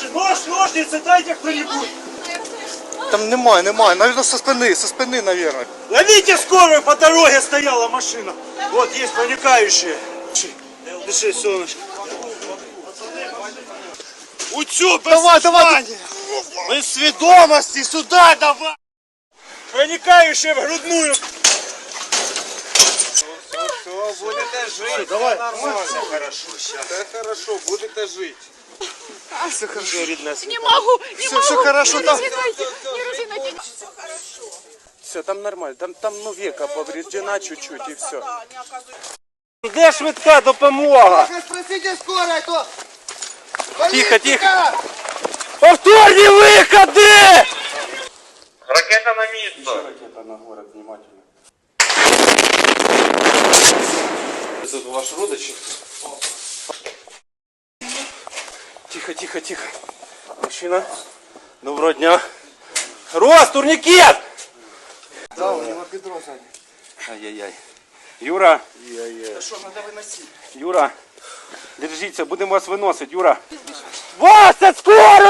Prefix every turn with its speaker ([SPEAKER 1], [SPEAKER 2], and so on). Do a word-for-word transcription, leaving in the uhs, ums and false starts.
[SPEAKER 1] Слушай, нож, ножницы, дайте кто-нибудь.
[SPEAKER 2] Там немає, немає. Наверное, со спины, со спины, наверное.
[SPEAKER 1] Ловите скорую, по дороге стояла машина. Вот, есть проникающие. Дыши, солнышко. Утюг,
[SPEAKER 2] Давай, давай.
[SPEAKER 1] без сведомости, сюда давай. Проникающие в грудную.
[SPEAKER 3] Все, будете жить.
[SPEAKER 1] Давай,
[SPEAKER 3] Все
[SPEAKER 1] хорошо, сейчас.
[SPEAKER 3] Все хорошо, будете жить.
[SPEAKER 2] Все хорошо.
[SPEAKER 4] Не могу, не
[SPEAKER 2] Все,
[SPEAKER 4] могу.
[SPEAKER 2] все хорошо,
[SPEAKER 4] не
[SPEAKER 2] там.
[SPEAKER 4] разинайте, не разинайте.
[SPEAKER 2] Все, там нормально. Там, там ну, века повреждена чуть-чуть и все.
[SPEAKER 1] Де швидка допомога?
[SPEAKER 3] Спросите скорой, то...
[SPEAKER 2] Тихо, тихо.
[SPEAKER 1] Повторні виходи!
[SPEAKER 3] Ракета на место.
[SPEAKER 2] Ракета на город, внимательно. Это ваш родич? Тихо, тихо, тихо. Мужчина. Доброго дня. Рост, турникет!
[SPEAKER 3] Да, у него бедро сзади.
[SPEAKER 2] Ай-яй-яй. Юра.
[SPEAKER 3] Да что, надо выносить.
[SPEAKER 2] Юра. Держіться, будемо вас виносити, Юра. Вася, скоро!